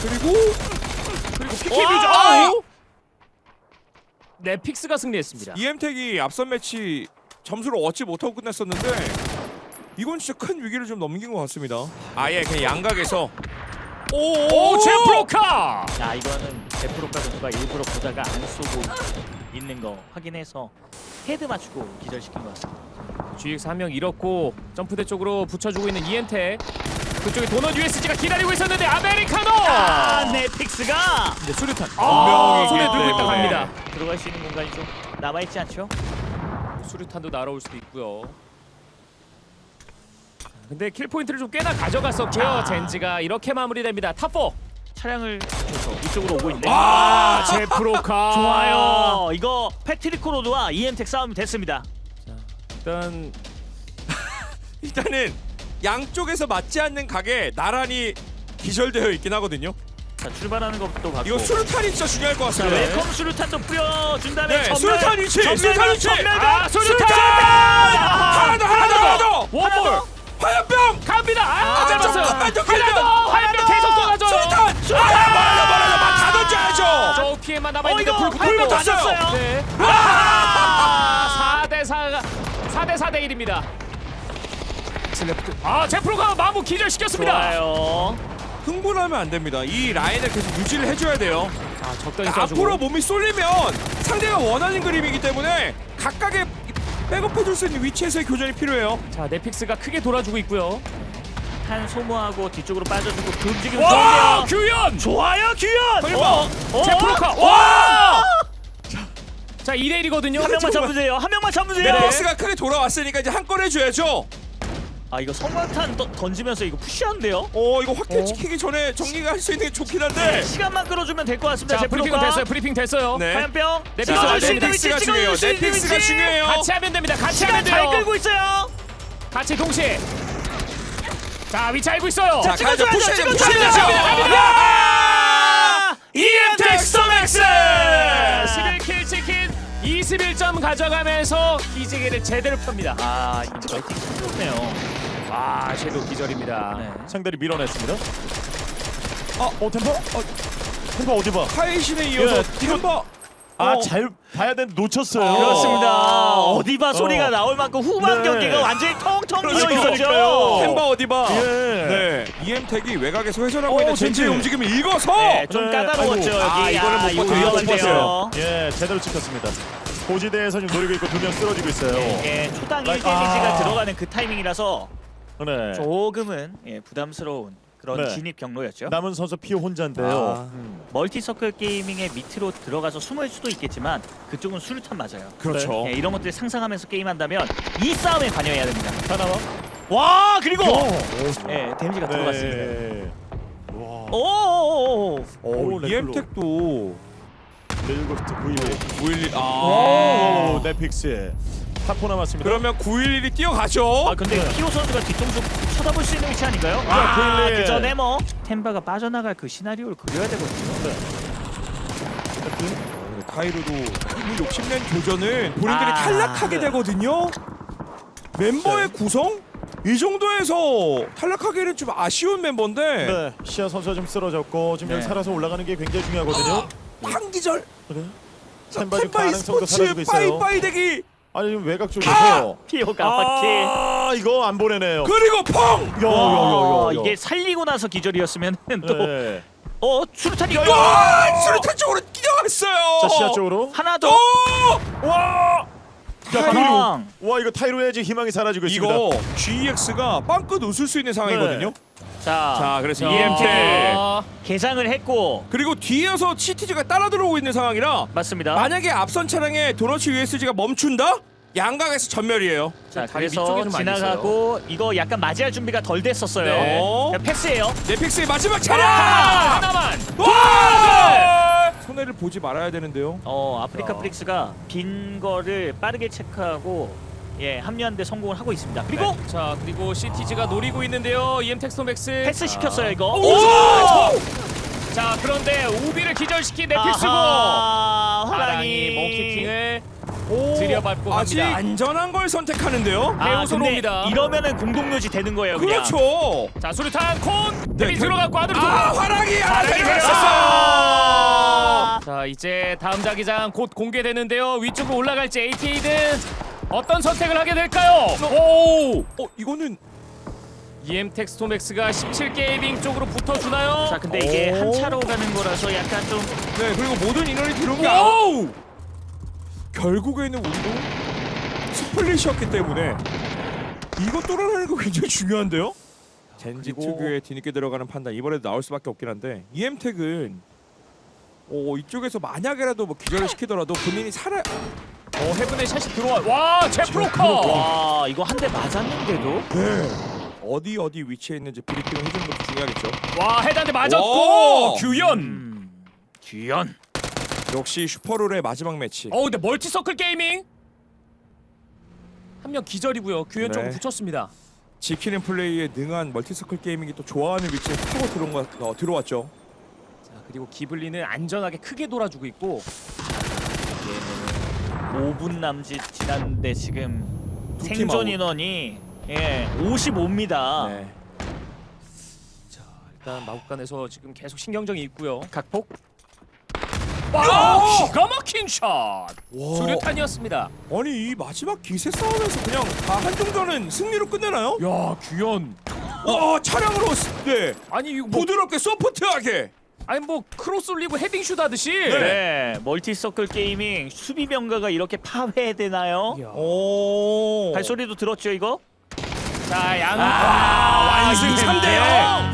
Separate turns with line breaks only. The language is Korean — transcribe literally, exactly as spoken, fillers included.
그리고 그리고 피키
와!
뮤즈. 아우!
네, 픽스가 승리했습니다.
이엠텍이 앞선 매치 점수를 얻지 못하고 끝냈었는데 이건 진짜 큰 위기를 좀 넘긴 것 같습니다. 아예 그냥 양각에서
오, 제프로카!
자, 이거는 제프로카 선수가 일부러 보다가 안 쏘고 있는 거 확인해서 헤드 맞추고 기절시킨 것 같습니다.
지엑스 한 명 잃었고 점프대 쪽으로 붙여주고 있는 이엔텍. 그쪽에 도넛 유에스지가 기다리고 있었는데 아메리카노!
아, 네, 픽스가
근데 수류탄.
아,
아, 손에 들고 있다
때문에.
갑니다.
들어갈 수 있는 공간이 좀 남아있지 않죠?
수류탄도 날아올 수도 있고요. 근데 킬 포인트를 좀 꽤나 가져갔었고요.
자.
젠지가 이렇게 마무리됩니다. 탑사.
차량을 줘서 이쪽으로 오고 있는데
아, 제프로카.
좋아요. 이거 패트리코 로드와 이엠텍 싸움이 됐습니다.
일단
일단은 양쪽에서 맞지 않는 각에 나란히 기절되어 있긴 하거든요.
자, 출발하는 것도 봤고
이거 수류탄이 진짜 중요할 것
자,
같습니다.
웰컴 수류탄도 뿌려준 다음에
네,
전멸,
수류탄 위치!
전멸,
수류탄 위치!
전멸,
아, 수류탄!
하나 더, 하나 더, 하나 더!
원볼
화염병!
갑니다. 아,
아,
잡았어요.
잠깐만, 더
하나
길면!
더. 화염병 계속 쏟아져요.
수류탄! 아, 멀어져, 멀어져! 다 던져야죠!
저 피해만 남아
어,
있는데
이거
불
불
붙었고.
붙었어요.
네. 아, 사 대 사가 사 대 사 대 일입니다. 슬래프트. 아, 제프로가 마무 기절시켰습니다.
좋아요.
흥분하면 안 됩니다. 이 라인을 계속 유지를 해줘야 돼요.
자, 적당히
그러니까
쏴주고.
앞으로 몸이 쏠리면 상대가 원하는 그림이기 때문에 각각의 백업해줄 수 있는 위치에서의 교전이 필요해요.
자, 넷픽스가 크게 돌아주고 있고요.
한 소모하고 뒤쪽으로 빠져주고 그 움직임
와,
좋은데요.
규현.
좋아요, 규현.
설마.
어? 어?
제프로카. 와! 자, 이 대 일이거든요.
한 명만 잡으세요. 한 명만 잡으세요.
넷박스가 크게 돌아왔으니까 이제 한 건 해줘야죠.
아, 이거 성광탄 떠- 던지면서 이거 푸시한데요?
어 이거 확대
어?
지키기 전에 정리가 할 수 있는 게 좋긴
네,
한데.
시간만 끌어주면 될 것 같습니다.
자, 브리핑은
제프로카.
됐어요. 브리핑 됐어요.
네.
화염병.
네,
찍어줄
자,
수 있는 위치,
넷픽스가 중요해요.
찍어줄 수 있는
넷픽스가
위치.
중요해요.
같이 하면 됩니다. 같이
시간
하면
잘
돼요.
끌고 있어요.
같이 동시에. 자, 위치 알고 있어요.
자,
찍어줘야죠,
가야죠. 푸시해야 돼,
찍어줘야죠.
푸시해야죠.
아!
이엠텍 스톰엑스!
십일 킬 치킨 이십일 점 가져가면서 기지개를 제대로 펴니다.
아, 이거 멀티 참 좋네요.
아, 섀도우 기절입니다.
네.
상대를 밀어냈습니다. 아, 어 템퍼? 어, 템퍼 어디 봐?
카이신에 이어서
예,
템버.
아,
어.
잘 봐야 되는데 놓쳤어요.
어.
그렇습니다. 어디 봐 소리가
어.
나올 만큼 후반
네.
경기가 완전히 텅텅 비어
그러니까요.
있었죠.
템버 어디 봐.
예.
네. 이엠텍이 외곽에서 회전하고
어,
있는 젠지의
젠지.
움직임을 읽어서.
네, 좀
네,
까다로웠죠.
아이고.
여기.
아, 이거는 못
이거
봤어요.
위험한데요.
예, 제대로 찍혔습니다. 고지대에서 지금 노리고 있고 두 명 쓰러지고 있어요.
예, 초당 일
아.
데미지가 들어가는 그 타이밍이라서
네.
조금은 예, 부담스러운 그런
네.
진입 경로였죠.
남은 선수 피오 혼자인데요. 음.
멀티서클 게이밍의 밑으로 들어가서 숨을 수도 있겠지만 그쪽은 수류탄 맞아요.
그렇죠.
예, 이런 것들 상상하면서 게임한다면 이 싸움에 관여해야 됩니다.
하나와.
와, 그리고
오.
예, 데미지가 들어갔습니다.
네. 와.
오오오오.
어,
오,
이엠텍도
레일고스트 구십일.
구일일. 아.
오, 넷픽스에 타포 남았습니다.
그러면 구일일이 뛰어가죠.
아, 근데 피오 선수가 뒤통수 쳐다볼 수 있는 위치 아닌가요?
아,
아,
구일일.
그 전에 뭐 템바가 빠져나갈 그 시나리오를 그려야 되거든요.
카이로도 이 욕심낸 교전은 본인들이
아,
탈락하게
네.
되거든요. 멤버의 구성? 이 정도에서 탈락하기는 좀 아쉬운 멤버인데
네, 시아 선수가 좀 쓰러졌고 지금
네.
여기 살아서 올라가는 게 굉장히 중요하거든요.
한기절
그래? 템바 지금
템바
가능성도
e스포츠
사라지고 있어요.
빠이빠이 대기
아니 지금 외곽 쪽에서
피오가 바퀴.
아, 이거 안 보내네요.
그리고 펑!
와, 이게 살리고 나서 기절이었으면 또
네.
어, 수류탄이
와! 수류탄 쪽으로 뛰어갔어요.
자, 시야 쪽으로.
하나
오!
더.
와! 야,
가방.
와, 이거 타이로의 지금 희망이 사라지고 있습니다.
이거 지이엑스가 빵끝 웃을 수 있는 상황이거든요.
자,
자, 그래서
자,
이엠텍
개장을 했고
그리고 뒤에서 시티지가 따라 들어오고 있는 상황이라
맞습니다.
만약에 앞선 차량에 도너츠 유에스지가 멈춘다? 양각에서 전멸이에요.
자,
다리
그래서
위쪽에 좀 많이
지나가고 이거 약간 맞이할 준비가 덜 됐었어요.
네.
자, 패스예요.
넷픽스의 마지막
아,
차량!
하나만.
와! 손해를 보지 말아야 되는데요.
어, 아프리카
자.
프릭스가 빈 거를 빠르게 체크하고 예, 합류하는 데 성공을 하고 있습니다. 그리고
네. 자, 그리고 시티지가 노리고 있는데요. 이엠텍 스톰엑스.
패스 시켰어요, 이거.
오!
자, 그런데 우비를 기절시킨 넷픽스고
아하,
하랑이
호랑이
몽키킹을
오,
들여밟고
아직
갑니다.
안전한 걸 선택하는데요.
아,
배우소로
근데
옵니다.
이러면은 공동묘지 되는 거예요. 그냥.
그렇죠.
자 수류탄 콘
네,
데뷔
결-
들어갔고 아들이
아,
들어가.
화랑이 하나
화랑이
데려갔어요.
자 이제 다음 자기장 곧 공개되는데요. 위쪽으로 올라갈지 에이티에이는 어떤 선택을 하게 될까요? 오!
어, 이거는
이엠텍 스톰엑스가 십칠 게이밍 쪽으로 붙어주나요?
자, 근데 이게
오.
한 차로 가는 거라서 약간 좀
네, 그리고 모든 인원이 들어온 게 아,
오!
결국에는 우리도 스플릿이었기 때문에 이거 뚫어내는 거 굉장히 중요한데요. 젠지
그리고-
특유의 뒤늦게 들어가는 판단 이번에도 나올 수밖에 없긴 한데 이엠텍은 어, 이쪽에서 만약에라도 뭐 기절을 시키더라도 본인이 살아.
어 헤븐의 샷이 들어와. 와 제프로커.
와, 이거 한 대 맞았는데도
네. 어디 어디 위치에 있는지 브리핑을 해주는 것도 중요하겠죠.
와 헤드한테 맞았고
오!
규현.
음, 규현.
역시 슈퍼룰의 마지막 매치.
어 근데 멀티서클 게이밍 한 명 기절이고요. 규현
네.
쪽으로 붙였습니다.
지키는 플레이에 능한 멀티서클 게이밍이 또 좋아하는 위치에 타고 들어온 거, 어, 들어왔죠.
자 그리고 기블리는 안전하게 크게 돌아주고 있고
오 분 남짓 지났는데 지금
두팀
생존
아웃.
인원이 예, 오십오입니다.
네.
자 일단 마국간에서 지금 계속 신경전이 있고요.
각폭.
와 기가 막힌 샷.
와.
수류탄이었습니다.
아니 이 마지막 기세 싸움에서 그냥 다 한중전은 승리로 끝내나요?
야 규현.
와 차량으로 스- 네
아니 이거 뭐
부드럽게 소프트하게.
아니 뭐 크로스 올리고 헤딩슛 하듯이.
네, 멀티서클 게이밍 수비 병가가 이렇게 파괴되나요?
이야.
오.
발소리도 들었죠 이거?
자 양.
아, 완승
이게
삼 대 영.